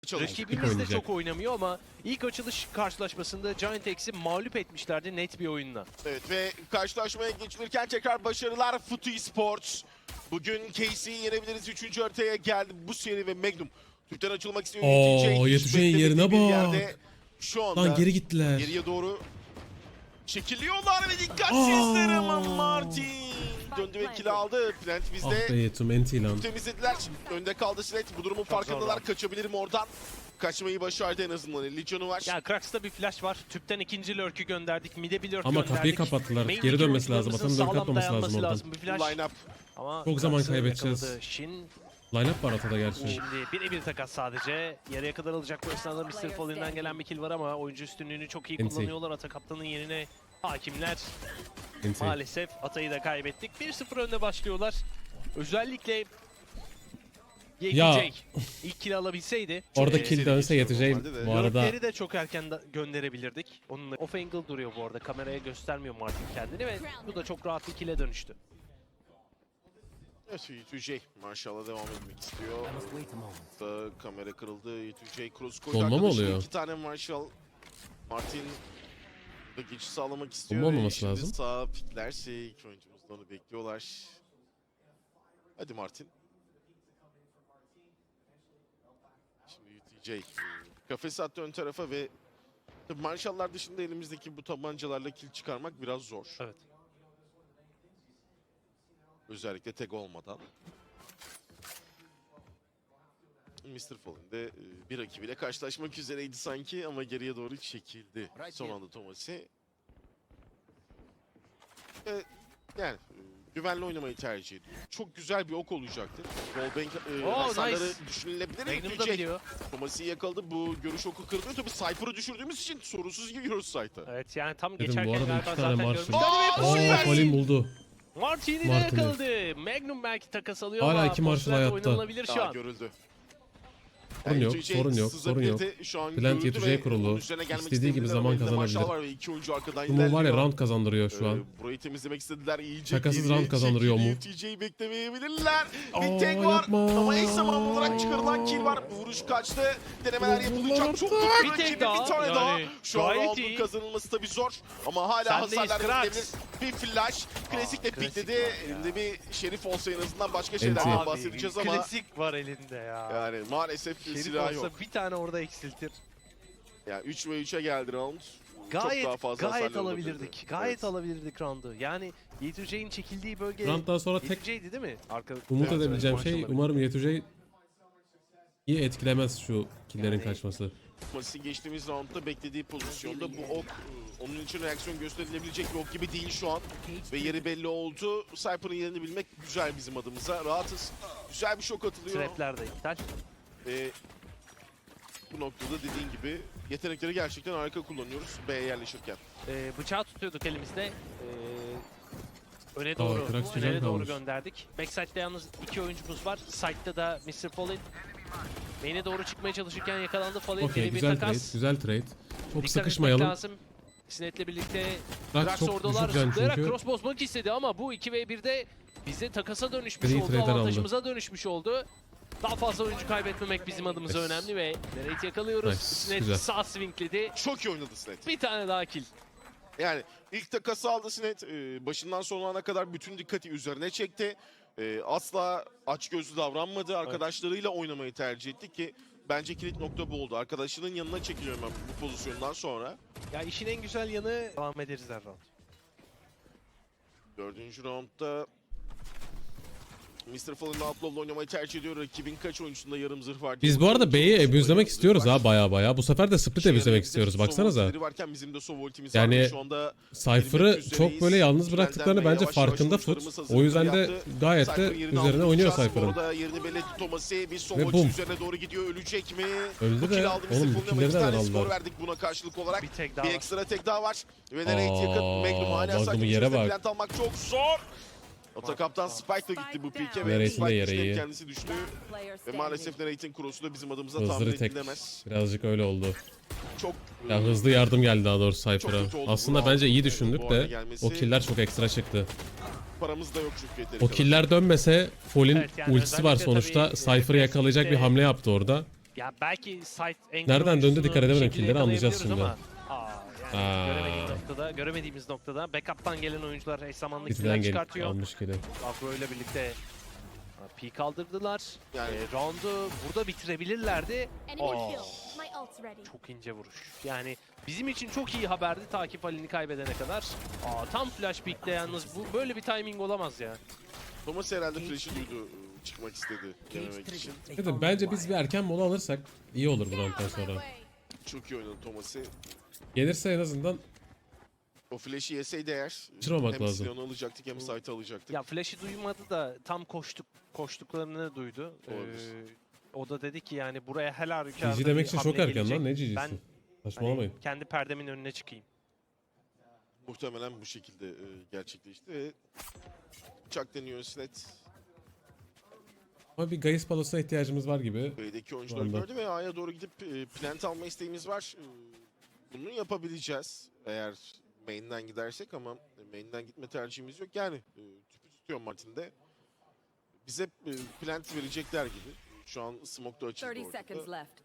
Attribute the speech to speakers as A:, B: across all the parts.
A: çalıştık.
B: Rakibimiz de çok oynamıyor ama ilk açılış karşılaşmasında Giant X'i mağlup etmişlerdi net bir oyunla.
A: Evet ve karşılaşmaya geçilirken tekrar başarılar Futu Esports. Bugün KC'yi yenebiliriz. 3. haritaya geldi bu seri ve Magnum. Türk'ten açılmak istiyor.
C: Yeteceğin yerine bak.
A: Şu anda
C: Lan geri gittiler.
A: geriye doğru çekiliyorlar ve dikkatsizler ama Martin döndü ve kill aldı. Plant
C: Ah
A: bizde.
C: be Yetum enti lan.
A: Temizlediler. Önde kaldı Slate. Bu durumun farkındalar. Kaçabilirim oradan. Kaçmayı başardı en azından. Legion'u var.
B: Ya Krax'ta bir flash var. Tüpten ikinci lurk'ü gönderdik. Mid'e bir lurk
C: Ama
B: gönderdik.
C: kapıyı kapattılar.
B: Main
C: Geri dönmesi
B: iki
C: lazım.
B: oyuncularımızın
C: Atanın dönüp atmaması
B: sağlam
C: lazım
B: dayanması
C: oradan.
B: Bir flash.
A: Line up.
B: Ama
C: Çok zaman
B: Krax'ı
C: kaybedeceğiz.
B: yakaladı. Shin
C: Line-up var atada gerçi.
B: şimdi birebir takas sadece. Yarıya kadar alacak bu esnada Mr. Fallen'den gelen bir kill var ama oyuncu üstünlüğünü çok iyi
C: NT.
B: kullanıyorlar. Ata kaptanın yerine hakimler.
C: Enti.
B: Maalesef Atay'ı da kaybettik. 1-0 önde başlıyorlar. Özellikle
C: Ya.
B: YQJ ilk kill alabilseydi.
C: Orada
B: çok-
C: kill dönse yeteceğim. Bu arada
B: Lurk'leri de çok erken gönderebilirdik. Onunla off angle duruyor bu arada. Kameraya göstermiyor Martin kendini ve bu da çok rahat bir kill'e dönüştü.
A: Evet, Y2J Marshall'a devam etmek istiyor. Da kamera kırıldı. Y2J cross koydu.
C: Dolma mı
A: Arkadaşına
C: oluyor?
A: 2 tane Marshall. Martin da geçiş sağlamak istiyor.
C: Dolma olmaması
A: Şimdi
C: lazım.
A: Sağ piklerse iki oyuncumuz da onu bekliyorlar. Hadi Martin. Şimdi Y2J kafes attı ön tarafa ve tabii Marshall'lar dışında elimizdeki bu tabancalarla kill çıkarmak biraz zor.
B: Evet.
A: Özellikle tek olmadan. Mr. Fallen de bir rakibiyle karşılaşmak üzereydi sanki ama geriye doğru çekildi. Son anda Thomas'i. Yani güvenli oynamayı tercih ediyor. Çok güzel bir ok olacaktır. Wallbang hasarları
B: nice.
A: düşünülebilir.
B: Magnum da
A: Y2J
B: biliyor.
A: Thomas'i yakaladı. Bu görüş oku kırılıyor. Tabii Cypher'ı düşürdüğümüz için sorunsuz giriyoruz site'a.
B: Evet yani tam
C: dedim
B: geçerken
C: bu arada
B: galiba
C: iki
B: zaten
C: tane
B: görmüşlerdi
C: Marshall.
B: ve
A: Aa,
C: Aa Fallen buldu.
B: Martin'i de
C: Martin'i.
B: yakaladı. Magnum belki takas alıyor
C: Hala
B: ama
C: iki Marshall
B: Postler
C: hayatta.
B: oynanabilir şu an.
A: Görüldü.
C: Sorun yok,
A: Y2J
C: sorun yok, sorun yok.
A: sızabilirdi. Şu an
C: Plant
A: görüldü
C: Y2J
A: ve
C: kurulu.
A: onun üzerine gelmek
C: İstediği gibi
A: istediler
C: zaman
A: ama elinde
C: kazanabilir.
A: Marshall var ve iki oyuncu arkadan
C: Bu var ya
A: ilerliyor.
C: round kazandırıyor şu an.
A: Burayı temizlemek istediler iyice.
C: Şakasız
A: geriye
C: round kazandırıyor mu?
A: YTJ'yi beklemeyebilirler.
C: Aa,
A: Bir tek var
C: yapma.
A: ama eş zamanlı olarak çıkarılan kill var. Vuruş kaçtı. Denemeler yapılacak. Çok
C: Bir
A: kötü
B: tek
A: rakibi
B: daha,
A: bir tane daha.
B: yani
A: Şu an
B: gayet
A: roundun
B: iyi.
A: kazanılması tabii zor. Ama hala
B: Sendeyiz,
A: hasarlar
B: Krax.
A: verilebilir. Bir flash. Klasik de
B: klasik
A: pikledi.
B: var ya.
A: Elinde bir şerif olsa en azından başka
C: NT.
A: şeylerden
B: Abi,
A: bahsedeceğiz
B: bir
A: ama
B: klasik var elinde ya.
A: yani maalesef
B: Şerif
A: silah
B: olsa
A: yok.
B: bir tane orada eksiltir.
A: Yani 3 ve 3'e geldi round.
B: Gayet
A: Çok daha fazla
B: gayet
A: hasarlar
B: alabilirdik.
A: olabilirdi.
B: Gayet
A: Evet.
B: alabilirdik roundu. Yani Y2J'in çekildiği bölge
C: Round'dan sonra tek
B: Y2J'ydi değil mi? Arka
C: umut
A: Evet,
C: edebileceğim
B: evet,
C: şey
B: maç
C: umarım Y2J iyi etkilemez şu killerin
B: Yani-
C: kaçması.
A: Maçı geçtiğimiz roundda beklediği pozisyonda bu ok onun için reaksiyon gösterilebilecek bir ok gibi değil şu an. Ve yeri belli oldu. Cypher'ın yerini bilmek güzel bizim adımıza. Rahatız. Güzel bir şok atılıyor.
B: Trapler de iptal.
A: Bu noktada dediğin gibi yetenekleri gerçekten harika kullanıyoruz B'ye yerleşirken.
B: Bıçağı tutuyorduk elimizde. Öne doğru,
C: Krax güzel
B: tünele doğru
C: kalmış.
B: gönderdik. Backside'de yalnız iki oyuncumuz var. Side'da da Mr. Fallen. Main'e doğru çıkmaya çalışırken yakalandı. Fallen
C: Okey
B: bir
C: güzel trade,
B: takas.
C: güzel trade. Çok
B: Dikkat
C: sıkışmayalım.
B: etmek lazım. Sinet'le birlikte
C: Krax
B: Krax
C: çok
B: oradalar
C: düşük can
B: zıplayarak
C: çünkü.
B: cross bozmak istedi ama bu 2v1'de bize takasa dönüşmüş
C: Gri
B: oldu.
C: trade'den
B: Avantajımıza dönüşmüş oldu. Daha fazla oyuncu kaybetmemek bizim adımıza
C: Nice.
B: önemli ve Nerate yakalıyoruz.
C: Nice,
B: Sinet
C: güzel.
B: sağ swingledi.
A: Çok iyi oynadı Sled.
B: Bir tane daha kill.
A: Yani ilk takası aldı Sinet. Başından sonuna kadar bütün dikkati üzerine çekti. Asla açgözlü davranmadı. Arkadaşlarıyla oynamayı tercih etti ki bence kilit nokta bu oldu. Arkadaşının yanına çekiliyor hemen bu pozisyondan sonra.
B: Ya işin en güzel yanı devam ederiz her round.
A: 4. roundda Mr. Fallen Outlaw'la oynamayı tercih ediyor. Rakibin kaç oyuncusunda yarım zırh var?
C: Biz bu arada B'yi abuzlemek istiyoruz ha baya baya. Bu sefer de split abuzlemek istiyoruz baksanıza.
A: Varken bizim de Sov ultimiz
C: Yani
A: var. Şu anda
C: Cypher'ı çok böyle yalnız bıraktıklarını bence farkında Foot. O yüzden de gayet de üzerine oynuyor Cypher'ın.
A: Orada yerini belli etti Thomas'i. Bir Sov
C: Ve
A: ulti
C: boom.
A: üzerine doğru gidiyor. Ölecek mi?
C: Öldü
A: Bu
C: de
A: kill aldı Mr.
C: oğlum
A: Fallen
C: bu
A: ama
C: killeri
A: iki
C: de
A: tane
C: aldılar.
A: skor verdik buna karşılık olarak.
B: Bir tek daha
A: Bir
B: var.
A: ekstra tek daha var. Ve nereye yakın? Magnum hala
C: Magnum'un
A: sakin bir
C: yere
A: şekilde
C: bak.
A: plant almak çok zor. Ata kaptan Spike da gitti bu pike ve
C: Neretin de
A: Spike
C: yere
A: işte
C: iyi.
A: kendisi düştü. Ve maalesef Narrate'in cross'u da bizim adımıza tahmin
C: Hızlı tek
A: edilemez.
C: birazcık öyle oldu.
A: Çok
C: Ya hızlı yardım geldi daha doğrusu
A: Çok
C: Cypher'a.
A: kötü oldu bu
C: Aslında
A: round.
C: bence iyi
A: Bu
C: düşündük
A: arada
C: de
A: gelmesi-
C: o killer çok ekstra çıktı.
A: paramız da yok çünkü yeteri
C: O
A: kadar.
C: killer dönmese Fall'in
B: Evet, yani
C: ultisi var
B: özellikle
C: sonuçta.
B: tabii,
C: Cypher'ı yakalayacak bir
B: Classic'te-
C: hamle yaptı orada.
B: Ya belki site angle
C: Nereden döndü
B: oyuncusunu
C: dikkat edemedim,
B: bir şekilde
C: killleri anlayacağız
B: yakalayabiliyoruz
C: şimdi.
B: ama, yani
C: Aa.
B: göremediğimiz noktada backup'tan gelen oyuncular eş zamanlı
C: Bizden
B: killer
C: gelip
B: çıkartıyor.
C: almış kili.
B: Agro ile birlikte peak kaldırdılar.
A: Yani-
B: Round'u burada bitirebilirlerdi.
D: Enemy
B: Aa,
D: kill. My ult's ready.
B: çok ince vuruş. Yani bizim için çok iyi haberdi takip halini kaybedene kadar. Tam flash peak'te yalnız bu böyle bir timing olamaz ya.
A: Thomas herhalde flash'ı duydu. Çıkmak istedi denemek için.
C: Dedim, bence biz bir erken mola alırsak iyi olur bu rounddan
D: On my
C: sonra.
D: way.
A: Çok iyi oynadı Thomas'ı.
C: Gelirse en azından
A: O flash'ı yeseydi eğer
C: Kaçırmamak
A: hem
C: lazım.
A: Sion'u alacaktık hem site'ı alacaktık.
B: Ya flash'ı duymadı da tam koştuklarını duydu.
A: Olabilir.
B: O da dedi ki yani buraya her halükarda
C: GG demek
B: bir
C: için çok
B: hamle
C: erken
B: gelecek.
C: lan, ne
B: Ben
C: GG'si? Saçmalamayın.
B: hani kendi perdemin önüne çıkayım.
A: Muhtemelen bu şekilde gerçekleşti. Ve bıçak deniyor Sinet.
C: Ama bir Gaius balosuna ihtiyacımız var gibi.
A: B'deki oyuncuları
C: anda.
A: gördü ve A'ya doğru gidip plant alma isteğimiz var. Bunu yapabileceğiz eğer main'den gidersek ama main'den gitme tercihimiz yok. Yani tüpü tutuyor Martin'de. Bize plant verecekler gibi. Şu an smoke'da açıldı
E: 30 seconds
A: ortada.
E: left.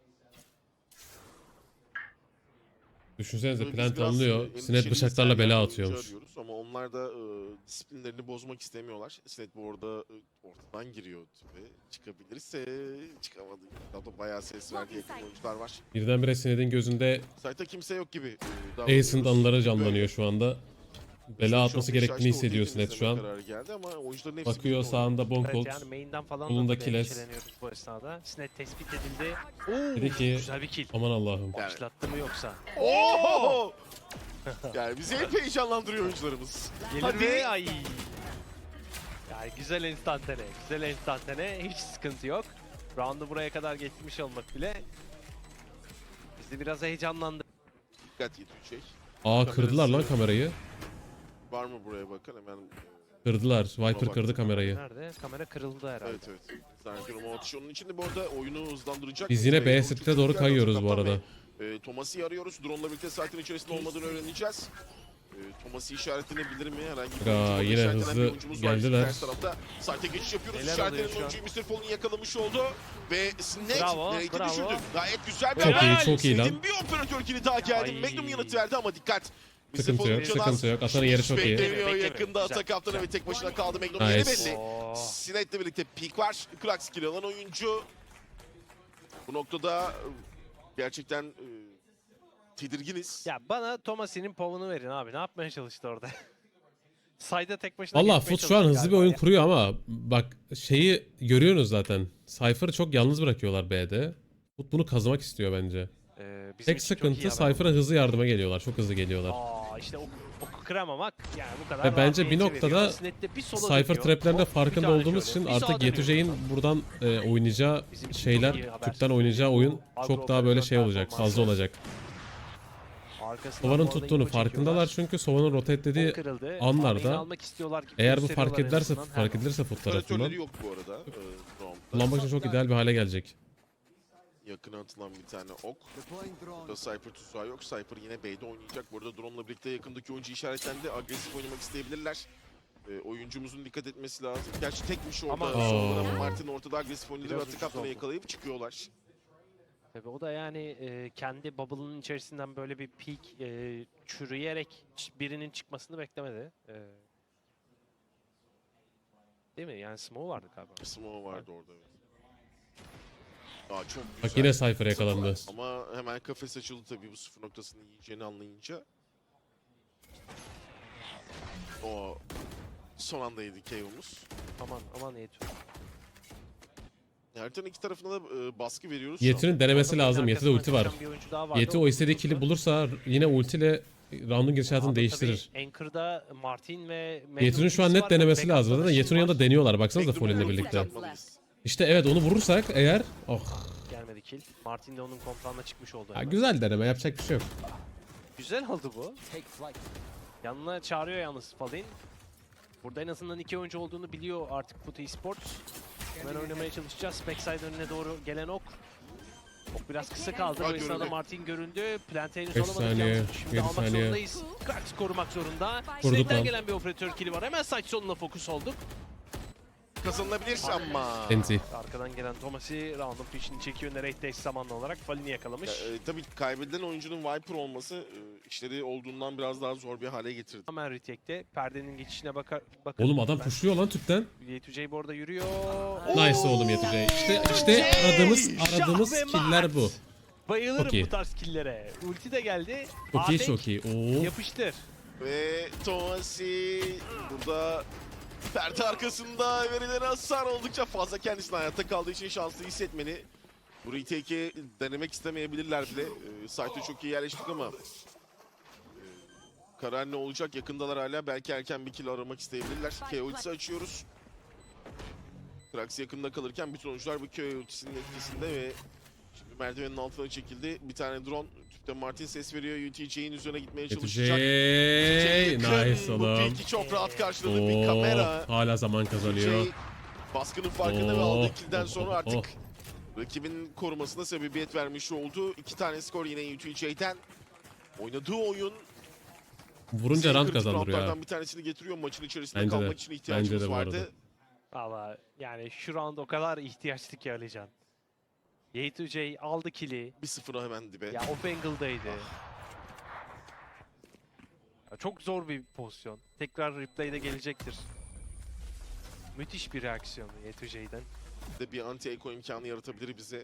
C: Düşünsenize
A: Biz
C: plant
A: biraz,
C: alınıyor.
A: endişeliyiz.
C: Sinet bıçaklarla
A: Sergen
C: bela
A: oyuncu
C: atıyormuş.
A: arıyoruz Ama onlar da disiplinlerini bozmak istemiyorlar. Sinet bu arada ortadan giriyor ve çıkabilirse çıkamadı. Daha bayağı ses verdi, yakın oyuncular var.
C: Birdenbire Sinet'in gözünde
A: Site'da kimse yok gibi.
C: Ace'ın anıları
A: Böyle.
C: canlanıyor şu anda. Bela atması gerektiğini hissediyor Sinet şu an.
A: Geldi ama oyuncuların hepsi
C: Bakıyor
A: bilmiyor.
C: sağında
B: Evet
C: Bonkolt.
B: yani main'den falan
C: Bulunda
B: da
C: Kiles.
B: endişeleniyoruz bu esnada. Sinet tespit edildi.
C: Dedi ki
B: Güzel bir kill.
C: aman Allah'ım.
A: Yani-
B: Başlattı mı yoksa?
A: Oo! Yani bizi hep heyecanlandırıyor oyuncularımız.
B: Gelir
A: Hadi.
B: mi? Ay. Yani güzel enstantane. Güzel enstantane. Hiç sıkıntı yok. Round'u buraya kadar getirmiş olmak bile bizi biraz heyecanlandırdı.
A: Dikkat yetecek.
C: Aa, kırdılar lan kamerayı.
A: Var mı buraya bakın hemen.
C: Kırdılar. Viper
A: Bak.
C: kırdı kamerayı.
B: Nerede? Kamera kırıldı herhalde.
A: Evet. Zannediyorum o atış onun içinde bu arada oyunu hızlandıracak.
C: Biz yine B
A: Çok
C: set'e
A: çok
C: doğru
A: güzel
C: kayıyoruz
A: bir
C: bu
A: kaptan
C: arada.
A: ve, Thomas'ı arıyoruz. Drone'la birlikte site'ın içerisinde olmadığını öğreneceğiz. Thomas'ı işaretlenebilir mi? Herhangi bir
C: Aa,
A: oyuncu,
C: yine
A: işaretlenen
C: hızlı
A: bir oyuncumuz var.
C: geldiler.
A: Ters tarafta site'e geçiş yapıyoruz.
B: Neler
A: İşaretlenen
B: oluyor şu an?
A: oyuncuyu Mr. Fall'un yakalamış oldu. Ve Snake
B: Bravo,
A: Nate'i
B: bravo.
A: düşürdü. Gayet güzel bir
C: Çok iyi,
A: haber.
C: çok iyi lan.
A: Sned'in bir operatör kili daha geldi.
B: Ay.
A: Magnum yanıt verdi ama dikkat. Mr.
C: Sıkıntı
A: Fall'un
C: yok,
A: canı az.
C: sıkıntı yok. Atanın yeri çok iyi.
A: Beklemiyor
B: Bekleme.
A: yakında
B: Güzel,
A: atak kaptanı
B: güzel.
A: ve tek başına kaldı. Magnum yeri
C: Nice.
A: belli.
B: Oo.
A: Sinet'le birlikte peak var. Krax kill alan oyuncu. Bu noktada gerçekten tedirginiz.
B: Ya bana Thomas'in povunu verin abi. Ne yapmaya çalıştı orada? Sayda tek başına
C: Valla
B: geçmeye
C: Foot şu an
B: çalıştı
C: hızlı bir
B: galiba
C: oyun
B: ya.
C: kuruyor ama bak şeyi görüyorsunuz zaten. Cypher'ı çok yalnız bırakıyorlar B'de. Foot bunu kazımak istiyor bence.
B: Bizim
C: Tek
B: için çok iyi
C: sıkıntı
B: haber.
C: Cypher'a hızlı yardıma geliyorlar. Çok hızlı geliyorlar.
B: İşte oku kıramamak yani bu kadar
C: Ve bence
B: rahat
C: bir
B: niyeti
C: noktada
B: veriyor. Snet'te bir sola
C: Cypher
B: dönüyor.
C: traplerinde
B: Hop, bir
C: farkında
B: tane
C: olduğumuz
B: şöyle.
C: için
B: Bir
C: artık
B: sağa dönüyor
C: Yetüce'nin
B: buradan.
C: buradan oynayacağı
B: Bizim için
C: şeyler,
B: çok iyi haber.
C: tüpten oynayacağı oyun
B: Agro
C: çok daha böyle şey
B: operasyon
C: olacak,
B: performansı.
C: fazla olacak.
B: Arkasından
C: Sova'nın
B: bu arada
C: tuttuğunu
B: info
C: farkındalar
B: çekiyorlar.
C: çünkü Sova'nın rotate'lediği
B: O kırıldı.
C: anlarda
B: Farming'i almak istiyorlar gibi
C: eğer bu
B: gösteriyorlar
C: fark
B: en
C: edilirse
B: azından.
C: fark edilirse Foot tarafından
A: Operatörleri yok bu arada. Drone'da.
C: kullanmak için çok ideal bir hale gelecek.
A: Yakına atılan bir tane ok. Burada Cypher tuzağı yok. Cypher yine B'de oynayacak. Bu arada drone'la birlikte yakındaki oyuncu işaretlendi. Agresif oynamak isteyebilirler. Oyuncumuzun dikkat etmesi lazım. Gerçi tekmiş orada.
B: Ama-
A: Sonra
C: Aa.
A: Martin ortada agresif oynadı ve
B: Biraz
A: atı
B: ucuz
A: kaptanı
B: oldu.
A: yakalayıp çıkıyorlar.
B: Tabii o da yani kendi bubble'ın içerisinden böyle bir peak çürüyerek birinin çıkmasını beklemedi. Değil mi? Yani smoke vardı galiba.
A: Smoke vardı orada. Evet. Aa, çok güzel.
C: Bak yine Cypher yakalandı.
A: Ama hemen kafes açıldı tabii bu sıfır noktasını yiyeceğini anlayınca. O son anda yedi KO'muz.
B: Aman Yetu.
A: Haritanın iki tarafına da baskı veriyoruz.
C: Yeti'nin denemesi lazım. Yeti'de ulti var. Yeti o istediği kill'i bulursa yine ultiyle round'un gidişatını değiştirir.
B: Anchor'da Martin ve
C: Yeti'nin şu an net denemesi lazım. Zaten Yeti'nin yanında deniyorlar. Baksanıza Fallen'le birlikte. İşte evet, onu vurursak eğer... Oh.
B: gelmedi kill. Martin de onun komutanına çıkmış oldu.
C: Ya
B: hemen.
C: güzel deneme, yapacak bir şey yok.
B: Güzel oldu bu. Yanına çağırıyor yalnız Fallen. Burada en azından iki oyuncu olduğunu biliyor artık Foot Esports. Hemen oynamaya çalışacağız. Backside önüne doğru gelen ok. Ok biraz kısa kaldı.
A: Aa,
B: Bu esnada
A: görüldü.
B: Martin göründü. Plante henüz
C: 5
B: olamadık
C: saniye,
B: yalnız. Şimdi
C: 7
B: almak
C: saniye.
B: zorundayız. Krax korumak zorunda.
C: Vurduk
B: Snake'den
C: lan.
B: gelen bir operatör kill'i var. Hemen site sonuna fokus olduk.
A: kazanılabilir ama.
C: NT.
B: Arkadan gelen Thomas'i round'un peşini çekiyor. Nereye eş zamanlı olarak Falin'i yakalamış.
A: Tabii kaybedilen oyuncunun Viper olması işleri olduğundan biraz daha zor bir hale getirdi.
B: Hemen retake'te perdenin geçişine bakın.
C: Oğlum adam pushluyor lan tüpten.
B: Y2J bu arada yürüyor.
C: Nice oğlum Yetüce. İşte aradığımız killer bu.
B: Bayılırım
C: Çok iyi.
B: bu tarz killere. Ulti de geldi.
C: Çok iyi,
B: Atek
C: çok iyi. Oo.
B: yapıştır.
A: Ve Tomasi burada perde arkasında verilen hasar oldukça fazla, kendisinin hayatta kaldığı için şanslı hissetmeli. Bu retake'i denemek istemeyebilirler bile. Site'e çok iyi yerleştik ama karar ne olacak? Yakındalar hala. Belki erken bir kill aramak isteyebilirler. K ultisi açıyoruz. Krax yakında kalırken bütün oyuncular bu K ultisinin etkisinde ve şimdi merdivenin altına çekildi. Bir tane drone. Tüpte Martin ses veriyor. UTJ'in üzerine gitmeye
C: Yetüce.
A: çalışacak.
C: Nice
A: Bu
C: oğlum.
A: peki çok rahat karşıladı bir kamera.
C: Hala zaman kazanıyor.
A: UTJ baskının farkında ve
C: Oo.
A: aldığı kill'den sonra artık
C: Oh.
A: rakibin korumasına sebebiyet vermiş oldu. 2 tane skor yine UTJ'den. Oynadığı oyun
C: Vurunca rant
A: kritik
C: kazandırıyor ha.
A: roundlardan bir tanesini getiriyor. Maçın içerisinde
C: Bence de.
A: kalmak için ihtiyacımız
C: Bence de bu arada.
A: vardı.
B: Valla yani şu round o kadar ihtiyaçlı ki Alican. Y2J aldı kill'i.
A: 1-0'a hemen dibe.
B: Ya off angle'daydı. Ya çok zor bir pozisyon. Tekrar replay'de gelecektir. Müthiş bir reaksiyon Y2J'den.
A: De bir anti-echo imkanı yaratabilir bize.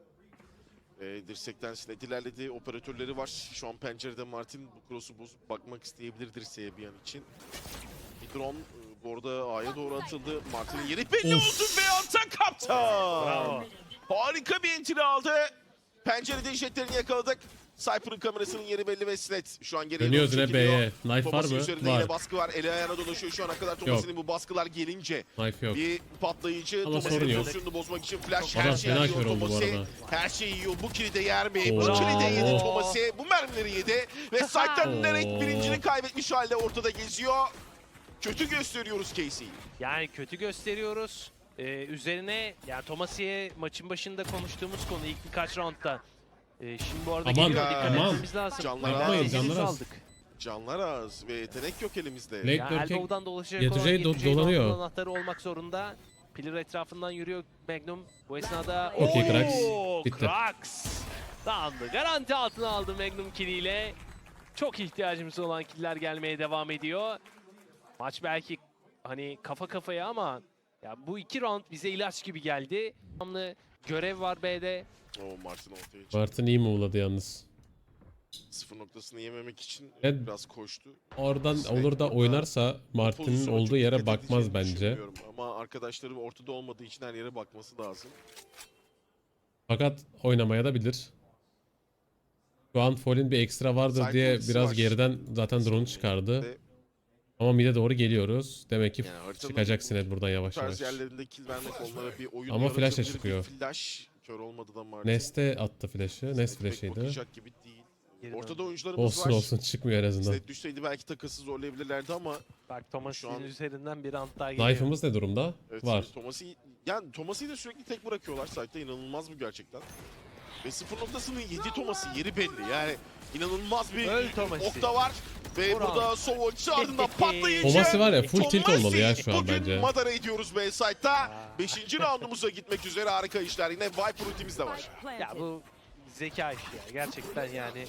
A: Dirsekten sinet ilerledi. Operatörleri var. Şu an pencerede Martin bu cross'u bozup bakmak isteyebilir dirseğe bir an için. Bir drone bu arada A'ya doğru atıldı. Martin'in yeri belli oldu ve ata kaptan.
B: Bravo.
A: Harika bir entry aldı. Pencerede jetlerini yakaladık. Cypher'ın kamerasının yeri belli ve Sinet şu an geriye
C: Dönüyoruz
A: doğru
C: yine
A: çekiliyor.
C: B'ye. Knife var
A: Thomas'ın
C: mı?
A: üzerinde
C: Var.
A: yine baskı var. Eli ayağına dolaşıyor şu ana kadar. Thomas'ın bu baskılar gelince
C: Knife yok.
A: bir patlayıcı.
C: Ama
A: Thomas'ın
C: sorun yok.
A: pozisyonunu bozmak için flash
C: Adam
A: her şeyi
C: fena
A: yiyor
C: kör oldu bu
A: Thomas'ı.
C: arada.
A: Her şeyi yiyor. Bu kili de yer mi? Bu
C: Oo.
A: kili de yedi
C: Oo.
A: Thomas'ı. Bu mermileri yedi. Ve Side'den
C: Oo.
A: direkt birincini kaybetmiş halde ortada geziyor. Kötü gösteriyoruz Casey'yi.
B: Yani kötü gösteriyoruz. Üzerine yani Tomasi'ye maçın başında konuştuğumuz konu ilk birkaç roundda. Şimdi bu arada
C: Aman,
B: geliyor, dikkat
A: aman.
B: etmemiz lazım.
A: Canlar
C: Yapmayın,
A: az.
C: canlar az.
B: Aldık.
A: Canlar az ve yetenek yok elimizde.
C: Black
B: Ya
C: Dirk'e
B: elbow'dan dolaşacak
C: Y2J
B: olan Y2J'nin
C: dolanıyor.
B: altın anahtarı olmak zorunda. Pillar etrafından yürüyor Magnum. Bu esnada
C: Okey, Krax.
B: Oo,
C: Bitti.
B: Krax. Dağındı. Garanti altına aldı Magnum kill'iyle. Çok ihtiyacımız olan killer gelmeye devam ediyor. Maç belki hani kafa kafaya ama ya bu iki round bize ilaç gibi geldi. Tamamlı görev var B'de.
A: Martin ortaya çıktı.
C: Martin iyi move'ladı yalnız.
A: Sıfır noktasını yememek için
C: Evet.
A: biraz koştu.
C: Oradan
A: Sinet
C: olur da
A: burada
C: oynarsa Martin'in
A: Pozisyona
C: olduğu
A: çok
C: yere
A: dikkat
C: bakmaz
A: edeceğini
C: bence.
A: düşünmüyorum. Ama arkadaşları ortada olmadığı için her yere bakması lazım.
C: Fakat oynamaya da bilir. Şu an Fall'in bir ekstra vardır
A: Side
C: diye
A: ultisi
C: biraz
A: var.
C: geriden zaten drone'u çıkardı.
A: Ve
C: Ama mid'e doğru geliyoruz. Demek ki
A: yani haritanın
C: çıkacak Sinet buradan
A: bu
C: yavaş
A: tarz
C: yavaş.
A: yerlerinde kill vermek onlara bir oyun
C: Ama flash da
A: yaratabilir.
C: çıkıyor.
A: Bir flash kör olmadı da Martin.
C: Nest'e attı flash'ı. Nest
A: Pek
C: flash'ıydı.
A: bakacak gibi değil.
B: Geri
A: Ortada
B: döndü.
A: oyuncularımız
C: Olsun
A: var.
C: olsun çıkmıyor en azından.
A: Sinet düşseydi belki takası zorlayabilirlerdi ama
B: Bak Thomas'ın
A: Şu an-
B: üzerinden bir round daha geliyor.
C: Knife'ımız ne durumda?
A: evet,
C: Var.
A: Thomas'ı da sürekli tek bırakıyorlar. Site'da inanılmaz bu gerçekten. Ve sıfır noktasının 7 Thomas'ı yeri belli. Yani inanılmaz bir
B: Öl Thomas'ı.
A: okta var. Ve
B: Burak.
A: burada Sovoç'u ardından patlayıcı.
C: Thomas'ı var ya full tilt
A: Thomasi
C: olmalı ya şu an
A: bugün
C: bence.
A: madara ediyoruz B-Side'da. 5. roundumuza gitmek üzere harika işler. Yine Viper ultimiz de var.
B: Ya bu zeka işi ya. Gerçekten yani.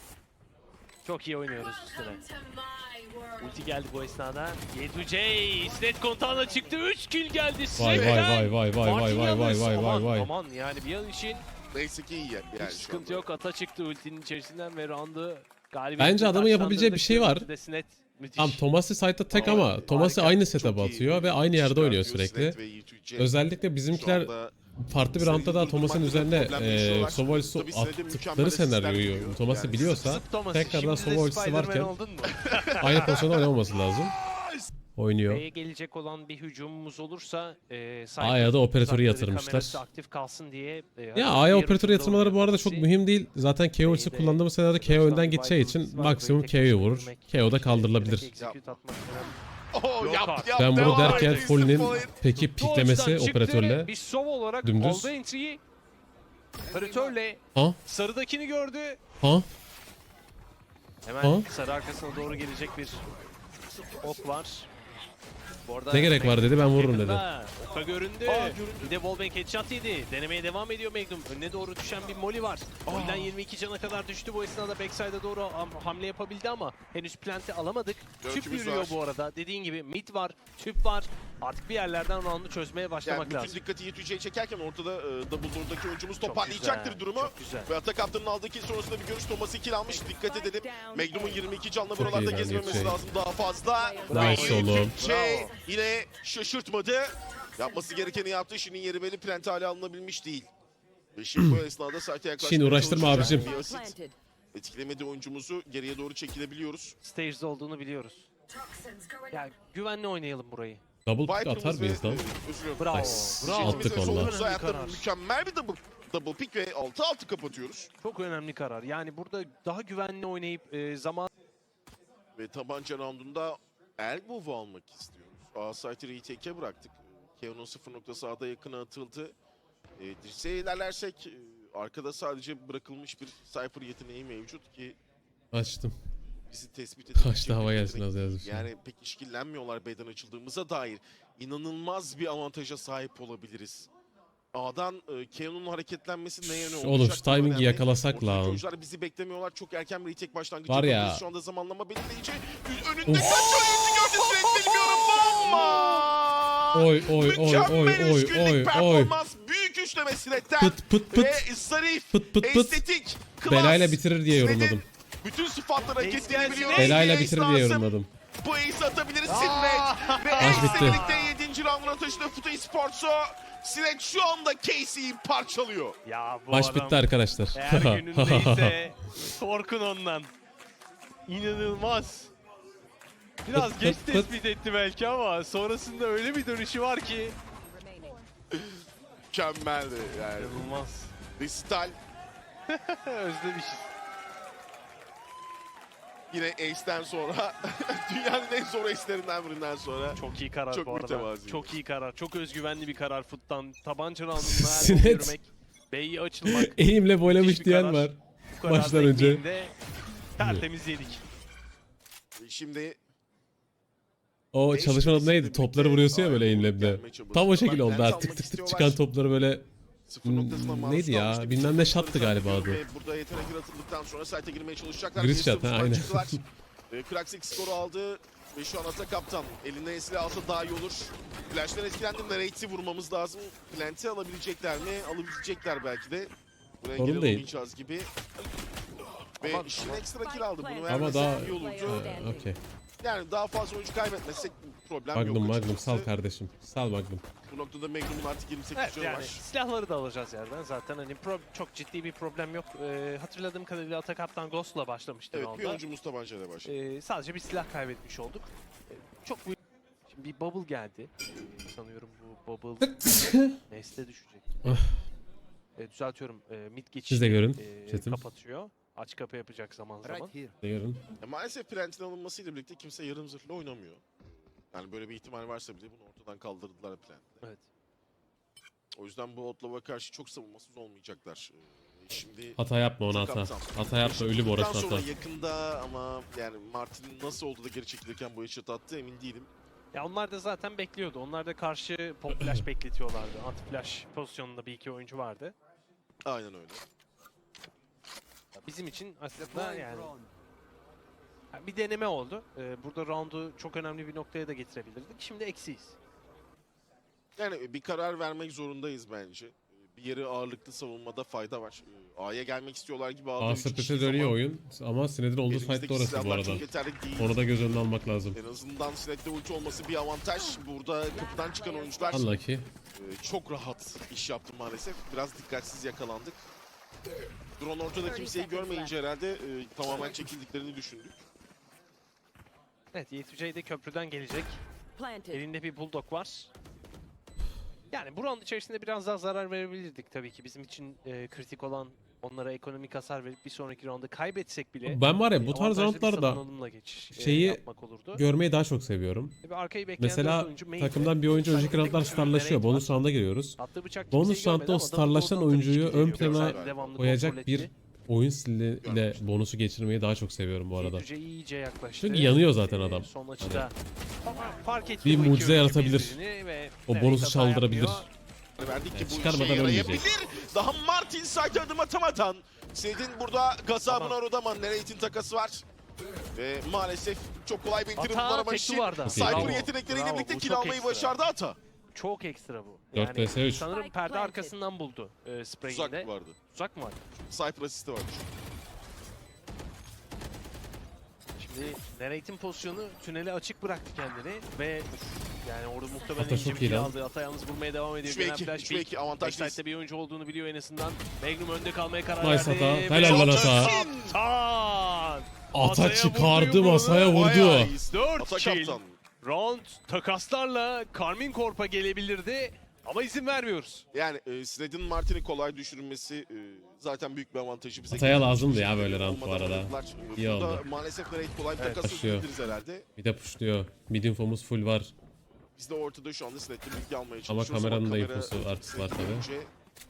B: Çok iyi oynuyoruz üstüne. Ulti geldi bu esnada. Y2J Sinet kontağına çıktı. 3 kill geldi
C: Vay
B: Sinet'ten.
C: vay vay vay vay
B: Martin
C: vay vay vay
B: yalnız.
C: vay vay
B: Aman,
C: vay.
B: aman yani bir an için
A: Neyse ki iyi yani.
B: hiç
A: şu
B: sıkıntı
A: anda.
B: yok. Ata çıktı ultinin içerisinden ve roundu galibiyet.
C: Bence adamın yapabileceği bir şey var.
B: Sinet müthiş.
C: Tamam Thomas'ı site'da tek
A: Ama
C: ama Thomas'ı
A: harika,
C: aynı
A: çok
C: setup'a
A: iyi
C: atıyor ve aynı yerde oynuyor
A: çıkartıyor
C: sürekli.
A: Sinet ve Y2J.
C: Özellikle
A: Şu
C: bizimkiler
A: anda
C: farklı bir roundda da Thomas'ın üzerine Sovols'u
A: Tabii Sinet'e
C: attıkları
A: mükemmel
C: senaryoyu
A: asistler
C: Thomas'ı
A: veriyor.
C: biliyorsa
B: Zıp Thomas'ı.
C: tekrardan
B: Şimdi de
C: Sovols'u
B: Spider-Man
C: varken
B: oldun mu?
C: aynı pozisyonda oynamaması lazım. Oynuyor.
B: B'ye gelecek olan bir hücumumuz olursa
C: A'ya da operatörü
B: uzakları
C: yatırmışlar.
B: kamerası aktif kalsın diye.
C: Ya A'ya operatörü yatırmaları bu arada çok mühim değil. Zaten KO ultisi kullandığımız senaryoda KO önden gideceği için maksimum KO'yu vurur. KO da kaldırılabilir.
A: Oh, yap,
C: Ben bunu
A: devam
C: derken
A: ediyor.
C: Foley'nin peki piklemesi operatörle
B: Bir şov olarak
C: dümdüz.
B: aldı entry'yi. Operatörle
C: Ha?
B: sarıdakini gördü.
C: Ha?
B: Hemen
C: Ha?
B: sarı arkasına doğru gelecek bir ok var. Bu arada
C: Ne gerek var dedi, ben vururum dedi.
B: yakında Oka göründü.
A: Göründü.
B: Bir de wallbang headshot yedi. Denemeye devam ediyor Magnum. Önüne doğru düşen bir molly var. Molly'den 22 cana kadar düştü. Bu esnada backside'a doğru hamle yapabildi ama henüz plant'i alamadık. Tüp
A: Dörtümüz
B: yürüyor
A: var.
B: bu arada. Dediğin gibi mid var, tüp var. Artık bir yerlerden round'u çözmeye
A: Yani
B: başlamak
A: bütün
B: lazım.
A: dikkati Yetüce'ye çekerken ortada Double Door'daki oyuncumuz
B: Çok
A: toparlayacaktır
B: güzel,
A: durumu.
B: çok güzel.
A: Ve atak kaptanın aldığı kill sonrasında bir görüş Thomas'ı kill almış. Dikkat edelim. Magnum'un 22 canla
C: iyi
A: buralarda
C: lan
A: gezmemesi
C: Yetüce.
A: lazım daha fazla.
C: Nice oğlum.
A: Yetüce yine şaşırtmadı. Yapması gerekeni yaptı. Şirin yeri belli, plant hale alınabilmiş değil. Ve şimdi bu esnada site yaklaşmaya
C: Şin, uğraştırma
A: çalışacak.
C: abicim.
A: Bir asit etkilemedi oyuncumuzu. Geriye doğru çekilebiliyoruz.
B: Stage'de olduğunu biliyoruz. Yani güvenli oynayalım burayı.
C: Double pick
A: Viper'ımız
C: atar mıyız
A: ve,
C: lan?
A: özür dilerim.
B: Bravo.
C: Nice.
B: Bravo.
C: Attık
A: Jetimiz ve
C: valla.
A: solumuz hayatta
B: Karar.
A: mükemmel bir double pick ve 6-6 kapatıyoruz.
B: Çok önemli karar. Yani burada daha güvenli oynayıp zaman
A: Ve tabanca roundunda Elbow'u almak istiyoruz. A-Site'ı retake'e bıraktık. Keo'nun 0 noktası A'da yakına atıldı. Dirseğe ilerlersek arkada sadece bırakılmış bir Cypher yeteneği mevcut ki
C: Açtım.
A: bizi tespit edecek.
C: Kaçtı hava
A: bir
C: gelsin
A: yetenek.
C: az yazmış.
A: Yani pek işkillenmiyorlar B'den açıldığımıza dair. İnanılmaz bir avantaja sahip olabiliriz. A'dan Keo'nun hareketlenmesi neye ne olacak?
C: Oğlum şu
A: Bu
C: timing'i
A: önemli.
C: yakalasak
A: Ortadaki
C: lan.
A: oyuncular bizi beklemiyorlar. Çok erken bir retake başlangıcı
C: Var ya.
A: yapabiliriz. Şu anda zamanlama belirleyici. Önünde
C: Uf.
A: kaç oyuncu gördü sürekli bilmiyorum. Bomba!
C: Oy oy oy
A: Mükemmel
C: oy oy
A: üç günlük
C: oy oy.
A: performans. Büyük üçleme Sinet'ten.
C: Pıt pıt pıt.
A: Ve zarif,
C: Pıt pıt pıt.
A: estetik, klas.
C: Belayla bitirir diye
A: Sinet'in
C: yorumladım.
A: bütün sıfatları hak
B: Ace
A: ettiğini
B: gelsin.
A: biliyoruz.
C: Belayla
A: Ace
C: bitirir diye
A: lazım.
C: yorumladım.
A: Bu ace'i atabiliriz Sinet. Ve
C: Maç
A: Ace'le
C: bitti.
A: birlikte 7. rounduna taşıdı Futu Esports'u. Sinet şu anda Casey'yi parçalıyor.
B: ya bu
C: Maç
B: adam
C: bitti arkadaşlar.
B: eğer günündeyse korkun ondan. İnanılmaz. Biraz
C: Pıt
B: geç
C: pıt pıt.
B: tespit etti belki ama sonrasında öyle bir dönüşü var ki.
A: Mükemmeldi yani.
B: İnanılmaz.
A: Resital
B: Özlemişiz.
A: yine Ace'den sonra dünyanın en zor Ace'lerinden birinden sonra.
B: Çok iyi karar
A: Çok
B: bu arada.
A: mütevazi.
B: Çok iyi karar. Çok özgüvenli bir karar Foot'tan. Tabanca roundunda
C: Sinet.
B: elbow yürümek. B'yi açılmak.
C: Eğimle boylamış
B: Müthiş bir
C: diyen
B: karar.
C: var.
B: Bu kadar
C: Maçtan önce.
B: bekleyinde tertemiz yedik.
A: Şimdi
C: O
A: Ace
C: çalışmanın adı neydi?
A: birlikte
C: Topları vuruyorsun ya böyle
A: A'ya
C: eğimle bir de.
A: gelmeye çalışıyorlar.
C: Tam o şekil oldu
A: Lens
C: artık.
A: almak
C: Tık tık tık
A: istiyorlar.
C: çıkan topları böyle.
A: Sıfır noktasına maruz
C: Neydi ya?
A: kalmıştı.
C: Bilmem ne şattı galiba adı.
A: Ve burada yetenek yaratıldıktan sonra site'e girmeye çalışacaklar.
C: Giriş
A: Bir
C: shot,
A: sürü
C: ha, aynen.
A: çıktılar. Kraxix skoru aldı ve şu an ata kaptan. Eline esili alsa daha iyi olur. Flash'tan etkilendim. Nate'i vurmamız lazım. Plant'i alabilecekler mi? Alabilecekler belki de. Buraya
C: Sorun
A: engel
C: değil.
A: olamayacağız gibi. Ve
B: Ama-
A: işin ekstra kill aldı. Bunu
C: Ama
A: vermesek
C: daha...
A: iyi olurdu.
C: Okey.
A: Yani daha fazla oyuncu kaybetmesek problem
C: Magnum
A: yok
C: Magnum
A: açıkçası.
C: sal kardeşim. Sal Magnum.
A: Bu noktada Magnum'un artık 28
B: Evet
A: canı
B: yani
A: var.
B: silahları da alacağız yerden zaten hani çok ciddi bir problem yok. Hatırladığım kadarıyla Atakaptan Ghost'la başlamıştı
A: Evet bir
B: round'a.
A: oyuncumuz tabancayla başladı.
B: Sadece bir silah kaybetmiş olduk. Çok büyük. Şimdi bir bubble geldi. Sanıyorum bu bubble nesle düşecek. Düzeltiyorum. Mid geçişi
C: Siz de görün, chatim.
B: kapatıyor. Aç kapı yapacak zaman zaman.
C: Yarın.
A: Maalesef Plant'in alınmasıyla birlikte kimse yarım zırhlı oynamıyor. Yani böyle bir ihtimal varsa bile bunu ortadan kaldırdılar Plant'le.
B: Evet.
A: O yüzden bu Outlaw karşı çok savunmasız olmayacaklar. Şimdi
C: Hata yapma ona hata. Hata yapma ölüm orası
A: Bundan sonra
C: hata.
A: yakında ama yani Martin'in nasıl oldu da geri çekilirken bu headshot attı emin değilim.
B: Ya onlar da zaten bekliyordu. Onlar da karşı pop flash bekletiyorlardı. Anti flash pozisyonunda bir iki oyuncu vardı.
A: Aynen öyle.
B: Bizim için aslında yani bir deneme oldu. Burada round'u çok önemli bir noktaya da getirebilirdik. Şimdi eksiyiz.
A: Yani bir karar vermek zorundayız bence. Bir yeri ağırlıklı savunmada fayda var. A'ya gelmek istiyorlar gibi A'da üç
C: ASP'te
A: kişiyiz
C: dönüyor
A: ama
C: oyun. Ama Sined'in olduğu
A: elimizdeki
C: fight de orası bu
A: silahlar
C: arada.
A: çok yeterli değil.
C: Onu da göz önüne almak lazım.
A: En azından Sinet'te ulti olması bir avantaj. Burada kapıdan çıkan oyuncular
C: Unlucky.
A: çok rahat iş yaptı maalesef. Biraz dikkatsiz yakalandık. Drone ortada kimseyi görmeyince herhalde tamamen çekildiklerini düşündük.
B: Evet, Y2J de köprüden gelecek. Elinde bir bulldog var. Yani bu round içerisinde biraz daha zarar verebilirdik tabii ki. Bizim için kritik olan onlara ekonomik hasar verip bir sonraki rounda kaybetsek bile
C: Ben var ya bu tarz
B: avantajlı bir
C: roundlarda
B: savunmamla geçiş
C: şeyi
B: yapmak olurdu.
C: görmeyi daha çok seviyorum.
B: Ve arkayı bekleyen
C: Mesela
B: dört oyuncu main
C: takımdan bir oyuncu önceki roundlar starlaşıyor. Bonus round'a giriyoruz.
B: attığı bıçak
C: Bonus
B: kimseyi görmedi
C: roundda o
B: ama double
C: starlaşan
B: door'dan tabii
C: oyuncuyu
B: ki
C: ön
B: geliyor.
C: plana
B: Backside devamlı
C: koyacak
B: kontrol
C: bir
B: etti.
C: oyun stiliyle bonusu geçirmeyi daha çok seviyorum bu arada.
B: Yüce iyice yaklaştı.
C: Çünkü yanıyor zaten adam.
B: Son açıda fark etti
C: Bir
B: bu iki
C: mucize
B: oyuncu
C: yaratabilir.
B: birbirini ve
C: O
B: Nereye
C: bonusu
B: hata
C: çaldırabilir.
B: yapmıyor.
A: Verdik ki bu
C: çıkarmadan
A: işe
C: ölmeyecek.
A: yarayabilir. Daha Martin site adım atamadan. Sinet'in burada gazabına
B: Tamam.
A: uğradı ama Nereit'in takası var. Ve maalesef çok kolay bir indirim
B: Ata
A: bulamamak
B: tek
A: için
B: duvarda.
A: Cypher
B: Bravo.
A: yetenekleriyle
B: Bravo,
A: birlikte
B: bu
A: kill
B: çok
A: almayı
B: ekstra.
A: başardı Ata.
B: Çok ekstra bu.
C: 4 vs 3.
B: Sanırım perde arkasından buldu spreyinde.
A: Tuzak vardı.
B: Tuzak mı vardı?
A: Cypher asisti vardı.
B: Şimdi Nereit'in pozisyonu tünele açık bıraktı kendini ve yani orada muhtemelen
C: Ata
B: ince
C: çok
B: bir
C: iyi
B: kill
C: lan.
B: aldı. Ata yalnız vurmaya devam ediyor.
A: 3 ve
B: Gelen
A: 2,
B: flash
A: 3 ve 2 avantajlıyız.
B: Backside'de bir oyuncu olduğunu biliyor en azından. Magnum önde kalmaya karar
C: Nice
B: verdi.
C: Ata.
B: Ve
C: Helal lan Ata.
B: Kaptan!
C: Ata
B: Ataya
C: çıkardı,
B: vurdu yumruğunu.
C: masaya vurdu.
A: Bayağı iyi.
B: 4
A: Ata
B: kill.
A: kaptan.
B: Round takaslarla Karmin Corp'a gelebilirdi ama izin vermiyoruz.
A: Yani Sinet'in Martin'i kolay düşürülmesi zaten büyük bir avantajı bize.
C: Ataya
A: getirmiş.
C: lazımdı ya böyle round bu
A: Olmadan
C: arada.
A: oynadılar.
C: İyi
A: Burada
C: oldu.
A: maalesef Nereit kolay bir
B: Evet,
A: takas
C: başlıyor.
A: yapabiliriz herhalde.
C: Bir de pushluyor. Mid infomuz full var.
A: Biz de ortada şu anda Sinet'le bilgi almaya
C: Ama
A: çalışıyoruz.
C: kameranın da
A: kamera
C: infosu artık var
A: Sinet'ten
C: tabii.
A: önce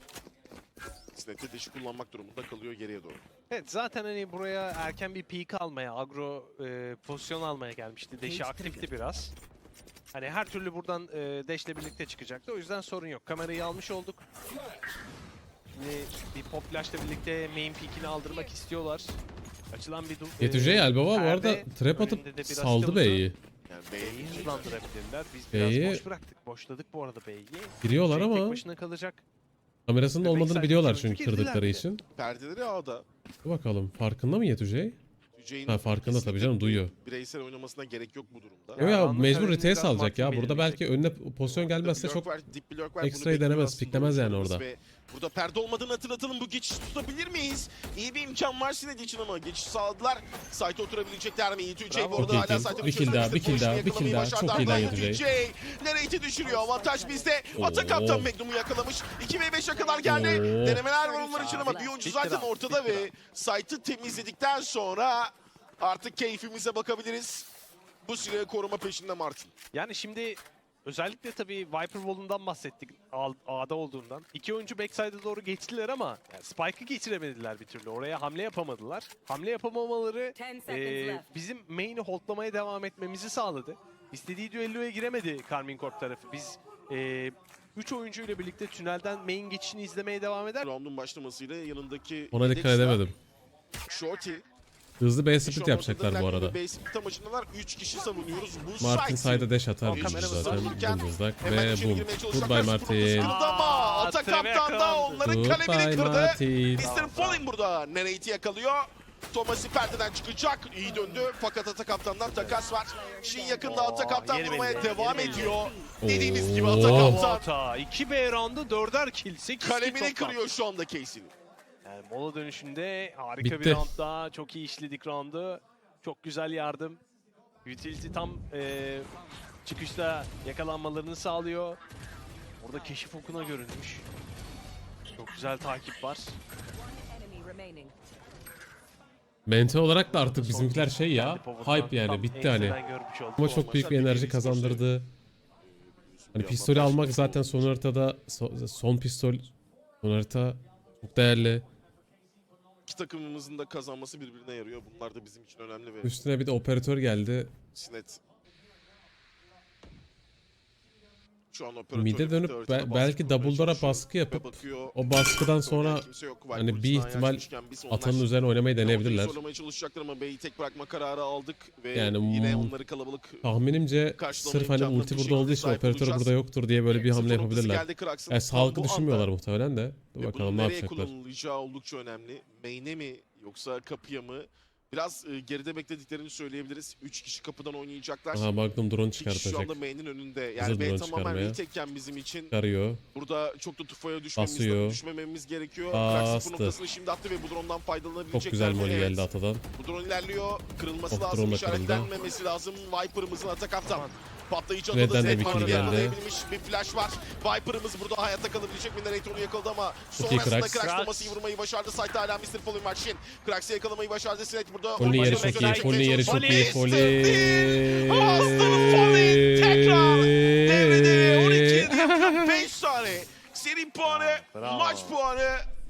A: Sinet'te deşi kullanmak durumunda kalıyor geriye doğru.
B: Evet zaten hani buraya erken bir peak almaya, agro pozisyon almaya gelmişti. Deşi aktifti biraz. Hani her türlü buradan Dash'le birlikte çıkacaktı. O yüzden sorun yok. Kamerayı almış olduk. Şimdi bir pop flash'la birlikte main peak'ini aldırmak istiyorlar. Açılan bir
C: Yetüce Albaba bu arada
B: perde.
C: trap atıp
B: Önünde de biraz
C: saldı
B: Stilt'ı
C: B'yi.
A: Yani
B: B'yi hızlandırabilirler. Biz
C: B'yi-
B: biraz boş bıraktık. Boşladık bu arada B'yi.
C: Giriyorlar
B: Tek
C: ama
B: başına kalacak.
C: kamerasının
B: Ve
C: olmadığını
B: backside
C: biliyorlar
B: oyuncu
C: çünkü
B: girdiler
C: kırdıkları
B: bile.
C: için.
A: perdeleri A'da.
C: Dur bakalım farkında mı Yetüce?
A: Tücey'in
C: Ha, farkında tabii
A: kesinlikle
C: canım, duyuyor.
A: Bireysel oynamasına gerek yok bu durumda.
C: Yo ya
B: Anlı
C: mecbur
B: kalemini
C: retake
B: biraz
C: alacak ya.
B: Martin
C: Burada belki önüne pozisyon gelmezse
A: Blok
C: çok
A: var, dip blok var.
C: ekstrayı
A: Bunu bekliyor
C: denemez,
A: aslında
C: piklemez yani
A: oyuncularımız
C: orada.
A: ve burada perde olmadığını hatırlatalım. Bu geçişi tutabilir miyiz? İyi bir imkan var Sinet için ama geçiş sağladılar. Site'e oturabilecekler mi? Tücey
B: Bravo.
A: bu arada
C: Çok iyi
A: hala
C: kill.
A: site'e
C: Bir kill daha, bir kill daha, bir kill daha. Çok iyi lan Yetücey.
A: Nereit'i düşürüyor. Avantaj bizde. Ata
C: Oo.
A: kaptan Magnum'u yakalamış. 2v5'e kadar geldi.
C: Oo.
A: Denemeler var onlar için ama bir oyuncu
B: Bitti
A: zaten
B: round,
A: ortada
B: bitti
A: ve site'ı temizledikten sonra artık keyfimize bakabiliriz. Bu süre koruma peşinde Martin.
B: Yani şimdi özellikle tabii Viper Wall'undan bahsettik A'da olduğundan. İki oyuncu backside'a doğru geçtiler ama yani Spike'ı geçiremediler bir türlü. Oraya hamle yapamadılar. Hamle yapamamaları
D: 10 seconds left.
B: bizim main'i holdlamaya devam etmemizi sağladı. İstediği düelloya giremedi Karmin Corp tarafı. Biz 3 oyuncuyla birlikte tünelden main geçişini izlemeye devam eder.
A: Round'un başlamasıyla yanındaki
C: Ona dikkat
A: Dexter,
C: edemedim.
A: Shorty.
C: Hızlı B
A: Şu
C: split
A: an
C: yapacaklar
A: ortada
C: bu
A: bilen
C: arada.
A: bir base split amacındalar. 3 kişi savunuyoruz. Bu
C: Martin
A: site'i
C: side'a dash atar
B: O
C: büyük
B: kameramız
C: zaten
A: var.
C: dımdızlak
A: hemen
C: ve
A: içeri
C: boom.
A: girmeye
C: Goodbye
A: çalışacaklar.
C: Martin.
A: Sıkıldı ama Ata
B: Trevor
A: kaptan da
B: yakalandı.
A: onların kalemini
C: Goodbye
A: kırdı.
C: Martin.
A: Mr. Falling burada Nereit'i yakalıyor. Thomas'ı perdeden çıkacak. İyi döndü. Fakat Ata kaptandan takas var. Şimdi yakında Ata kaptan
B: yeni
A: vurmaya
B: belli,
A: devam
B: yeni belli.
A: ediyor. Dediğimiz gibi Ata
C: Oo.
A: kaptan
B: Ata 2B roundu 4'er kill 8
A: kalemini kırıyor şu anda Casey'nin.
B: Yani mola dönüşünde harika
C: Bitti.
B: bir round daha. Çok iyi işledik roundu. Çok güzel yardım. Utility tam çıkışta yakalanmalarını sağlıyor. Orada keşif okuna görünmüş. Çok güzel takip var.
D: Enemy remaining.
C: Mente olarak da artık bizimkiler şey ya.
B: Kendi pivot'tan
C: Hype yani
B: tam
C: bitti hani.
B: enseden görmüş olduk.
C: Ama çok büyük bir enerji kazandırdı. Hani pistolü almak zaten son haritada son pistol son harita çok değerli.
A: İki takımımızın da kazanması birbirine yarıyor. Bunlar da bizim için önemli ve
C: Üstüne bir de operatör geldi.
A: Sinet şu an operatörle
C: Mide
A: birlikte
C: dönüp
A: haritada baskı
C: belki
A: kurmaya
C: double door'a
A: çalışıyor
C: baskı
A: ve
C: yapıp
A: bakıyor.
C: o baskıdan sonra
A: Kimse yok.
C: hani bir
A: Viper'ın
C: ihtimal
A: açmışken biz onlar
C: Atanın üzerine oynamayı deneyebilirler.
A: zorlamaya çalışacaklar ama B'yi tek bırakma kararı aldık ve
C: Yani
A: yine onları kalabalık
C: Tahminimce
A: karşılama
C: sırf hani
A: imkanına
C: ulti
A: bir
C: burada olduğu
A: şekilde
C: için
A: sahip
C: operatör
A: olacağız.
C: burada yoktur diye böyle bir hamle
A: Sıfır noktası
C: yapabilirler.
A: geldi Krax'ın.
C: Yani
A: Tam
C: sağlıklı
A: bu anda.
C: düşünmüyorlar muhtemelen de. Dur
A: Ve
C: bakalım
A: bunun
C: ne
A: nereye
C: yapacaklar.
A: kullanılacağı oldukça önemli. Main'e mi yoksa kapıya mı? Biraz geride beklediklerini söyleyebiliriz. 3 kişi kapıdan oynayacaklar.
C: Aha Magnum drone
A: 2 kişi şu
C: çıkartacak.
A: anda main'in önünde. Yani
C: Hazır
A: B
C: drone
A: tamamen
C: çıkarmaya.
A: retake'ken bizim için
C: Çıkarıyor.
A: burada çok da tufaya
C: Basıyor.
A: düşmememiz gerekiyor.
C: Bastı.
A: Krax'ın bu noktasını şimdi attı ve bu drone'dan faydalanabilecekler.
C: Çok güzel
A: mi?
C: molly
A: Evet.
C: geldi Atadan.
A: Bu drone ilerliyor. Kırılması
C: Of,
A: lazım.
C: drone da kırıldı.
A: İşaretlenmemesi lazım. Viper'ımızın atak kaptan. Patlayıcı
C: Red'den
A: atada
C: de bir
A: Zed
C: kill
A: var.
C: geldi.
A: Yakalayabilmiş bir flash var. Viper'ımız burada hayatta kalabilecek mi? Nereye onu yakaladı ama
C: Çok iyi
A: sonrasında
C: Krax.
A: Krax Thomas'ı vurmayı başardı. Site'da hala Mr. Fallen var. Shin. Krax'ı yakalamayı başardı. Sinet burada.
C: Foley yeri
A: Başka
C: çok
A: bir
C: iyi.
A: çekmeye
C: Foley yeri çok
A: çalışıyor.
C: iyi. Foley.
A: Aslanım Foley tekrar devrede 12 5 tane seri puanı,
B: Bravo.
A: maç puanı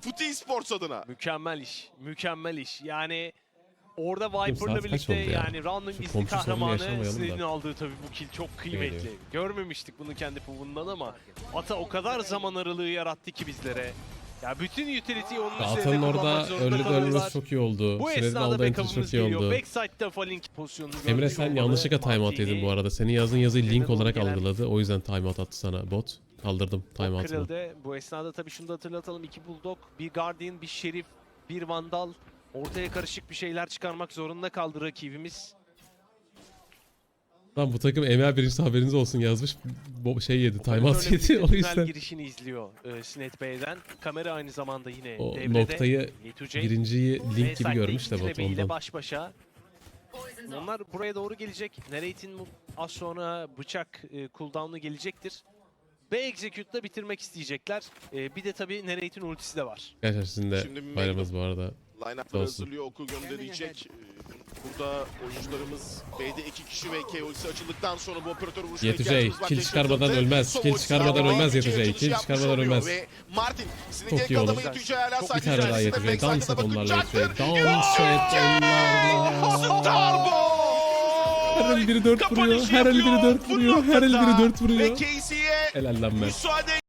A: Footy Esports adına.
B: Mükemmel iş. Mükemmel iş. Yani orada
C: saat
B: Viper'la
C: kaç
B: birlikte
C: oldu ya?
B: yani round'un
C: Şu
B: gizli
C: komşu sorunu
B: kahramanı
C: yaşamayalım da.
B: Snade'in aldığı tabii bu kill çok kıymetli.
C: Geliyor.
B: Görmemiştik bunu kendi puvundan ama Ata o kadar zaman aralığı yarattı ki bizlere. Ya bütün utility'yi onun üzerinde
C: Atan'ın
B: kullanmak
C: orada
B: zorunda
C: ölü
B: kalıyorlar.
C: ölmesi çok iyi oldu.
B: Bu
C: Sined'in
B: esnada
C: aldığı entry
B: backup'ımız
C: çok iyi
B: geliyor.
C: oldu.
B: Backside'da Falling pozisyonunu
C: Emre
B: gördük
C: sen
B: olmalı.
C: yanlışlıkla timeout
B: Martini
C: yedin bu arada. Senin yazdığın yazıyı link
B: doğru
C: olarak
B: gelen-
C: algıladı. O yüzden timeout attı sana bot. Kaldırdım timeout'unu.
B: kırıldı. Bu esnada tabii şunu da hatırlatalım. 2 Bulldog, bir Guardian, bir Şerif, bir Vandal. Ortaya karışık bir şeyler çıkarmak zorunda kaldı rakibimiz.
C: Lan bu takım Emre birincisi haberiniz olsun yazmış. Şey yedi, timeout
B: Operatörle
C: yedi.
B: birlikte
C: O
B: tünel
C: yüzden
B: girişini izliyor Sinet Bey'den. Kamera aynı zamanda yine
C: o
B: devrede.
C: noktayı
B: Yetüce
C: birinciyi
B: ve
C: link gibi
B: Sait'le
C: görmüş de
B: iki
C: bot
B: bebeğiyle
C: ondan.
B: baş başa. Onlar buraya doğru gelecek. Narrate'in az sonra bıçak cooldown'u gelecektir. B Execute'da bitirmek isteyecekler. Bir de tabii Narrate'in ultisi de var.
C: Gerçekten sizin de
A: Şimdi
C: bayramınız bu arada.
A: Line-up'ları
C: Olsun.
A: hazırlıyor, oku gönderecek. Burada oyuncularımız B'de 2 kişi ve KO'si açıldıktan sonra bu operatörü vuruşuna
C: Yetücey,
A: ihtiyacımız var.
C: kill çıkarmadan
A: Teşekkür
C: ölmez,
A: ederim.
C: kill
A: Son
C: çıkarmadan
A: oyuncular
C: ölmez
A: var.
C: Yetücey,
A: Açılış
C: kill
A: yapmış
C: çıkarmadan
A: oluyor
C: ölmez.
A: Ve Martin, sizin
C: Çok
A: gerek
C: iyi
A: adamı
C: oğlum.
A: Yetücey hala
C: Bir
A: sadece
C: tane daha
A: içerisinde.
C: Yetücey. Dans
A: Backside'da
C: et onlarla
A: bakacaktır.
C: Yetücey. Dans et onlarla.
A: Starboy!
C: Her el biri 4 vuruyor,
A: Kapanışı
C: her el biri
A: yapıyor.
C: 4 vuruyor, her el biri 4
A: Ve
C: vuruyor.
A: Casey'e
C: Helal lan ben.
A: müsaade